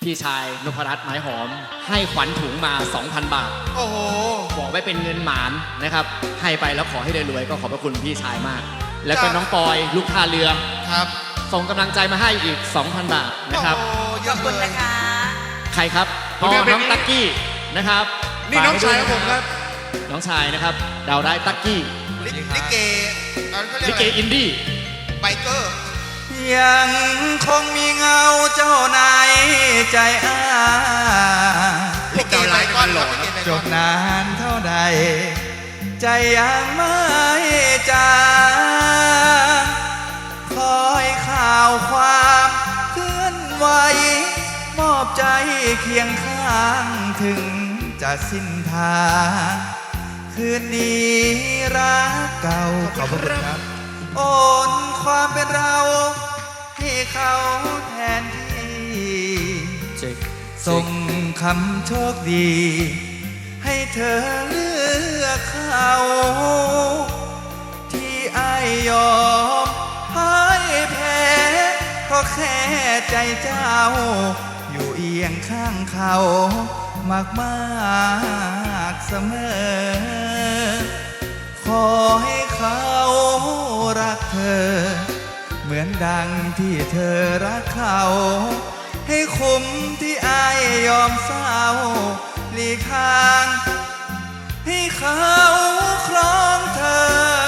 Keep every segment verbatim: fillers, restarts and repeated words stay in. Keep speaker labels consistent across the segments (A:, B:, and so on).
A: พี่ชายนพรัตน์ไม้หอมให้ขวัญถุงมา สองพัน บาท
B: โอ้โห
A: บอกไว้เป็นเงินหมานนะครับให้ไปแล้วขอให้ได้รวยก็ขอบพระคุณพี่ชายมากแล้วก็น้องปอยลูกท่าเรือ
B: ครับ
A: ส่งกำลังใจมาให้อีก สองพัน บาทนะครับ
C: ขอบคุณนะคะ
A: ใครครับอ๋อน้องตั๊กกี้นะครับ
B: นี่น้องชายของผมครับ
A: น้องชายนะครับดาวได้ตั๊กกี้
B: ลิเก
A: ลิเกอินดี้
B: ไบเกอร์
D: ยังคงมีเงาเจ้านายใจอ้า
B: ลิเกไบก้อน
D: จบนานเท่าใดใจยังไม่จางคอยข่าวความเคลื่อนไหวมอบใจเคียงข้างถึงจะสิ้นทางคืนนี้รักเก่าขอบคุณครับโอนความเป็นเราให้เขาแทนที่ส่งคำโชคดีให้เธอเลือกเขาที่อ้ายยอมพ่ายแพ้เพราะแค่ใจเจ้าอยู่เอียงข้างเขามากมากเสมอขอให้เขารักเธอเหมือนดังที่เธอรักเขาให้คุ้มที่อายยอมเศร้าหลีกทางให้เขาครองเธอ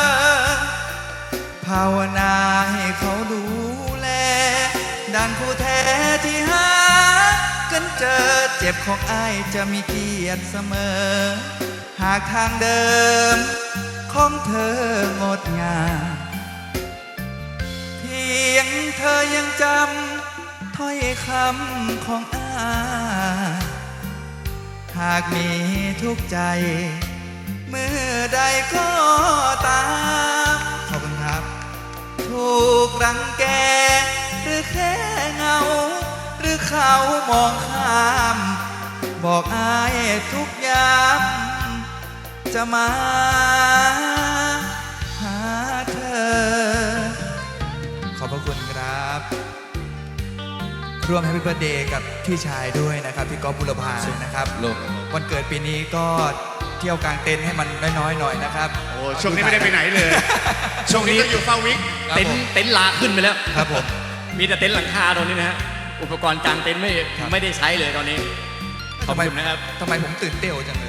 D: ภาวนาให้เขาดูแลดังคู่แท้ที่หากันเจอเจ็บของอายจะมีเกียรติเสมอหากทางเดิมของเธองดงามเพียงเธอยังจำถ้อยคำของอายหากมีทุกใจเมื่อใดก็ตามขอบคุณครับถูกรังแกหรือแค่เงาหรือเขามองข้ามบอกอายทุกยามจะมาหาเธอขอบพระคุณครับร่วมแฮปปี้เบิร์ธเดย์กับพี่ชายด้วยนะครับพี่ก๊อฟบุรพานะครับวันเกิดปีนี้ก็เที่ยวกลางเต็นท์ให้มันน้อยๆหน่อยนะครับ
B: โอ้ช่วงนี้ไม่ได้ไปไหนเลยช่วงนี้ก็อยู่เฝ้าวิก
A: เต็นท์เต็นท์ลาขึ้นไปแล้ว
D: ครับผม
A: มีแต่เต็นท์หลังคาตอนนี้นะฮะอุปกรณ์กลางเต็นท์ไม่ไม่ได้ใช้เลยตอนนี้ขอบคุณนะครับ
D: ทำไมผมตื่นเต้นจังเลย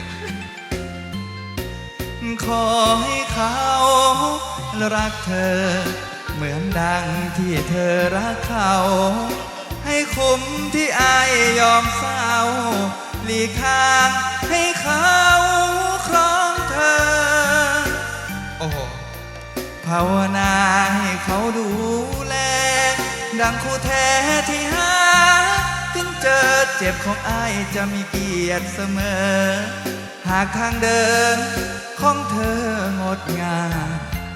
D: ขอให้เขารักเธอเหมือนดังที่เธอรักเขาให้คุ้มที่อายยอมเศร้าหลีกทางให้เขาครองเธอโอ้โหภาวนาให้เขาดูแลดังคู่แท้ที่หาถึงเจอเจ็บของอายจะมีเกียรติเสมอหากทางเดินของเธองดงาม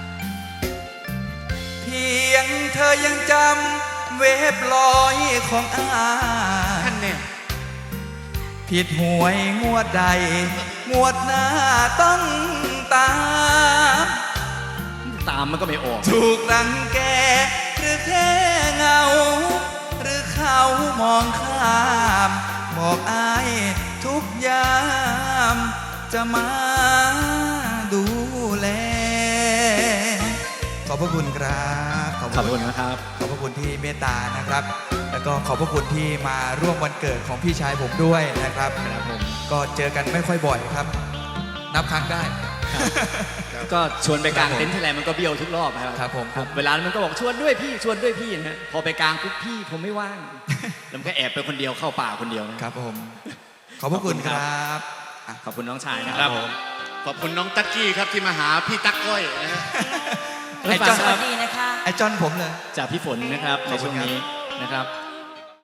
D: เพียงเธอยังจำเวฟลอยของอาย
B: ท่านเนี่ย
D: ผิดหวยงวดใดงวดหน้าต้องตาม
A: ตามมันก็ไม่ออก
D: ถูกรังแกหรือแค่เงาหรือเขามองข้ามบอกอายทุกยามจะมาดูแลขอบพระคุณครับ
A: ขอบพระคุณนะครับ
D: ขอบพระคุณที่เมตตานะครับแล้วก็ขอบพระคุณที่มาร่วมวันเกิดของพี่ชายผมด้วยนะครับ
A: ครับผม
D: ก็เจอกันไม่ค่อยบ่อยครับนับครั้งได้
A: ก็ชวนไปกลางเต็นท์ที่ไรมันก็เบี้ยวทุกรอบครับ
D: ครับผม
A: เวลามันก็บอกชวนด้วยพี่ชวนด้วยพี่นะพอไปกลางปุ๊บพี่ผมไม่ว่างแล้วมันก็แอบไปคนเดียวเข้าป่าคนเดียว
D: นะครับผมขอบพระคุณครับ
A: ขอบคุณน้องชายนะครับ
B: ขอบคุณน้องตั๊กกี้ครับที่มาหาพี่ตั๊กก้อยนะฮะ
D: ไอ้จอน
C: สวัสดีนะคะ
D: ไอ้จอนผมเลย
A: จากพี่ฝนนะครับในช่วงนี้นะครับ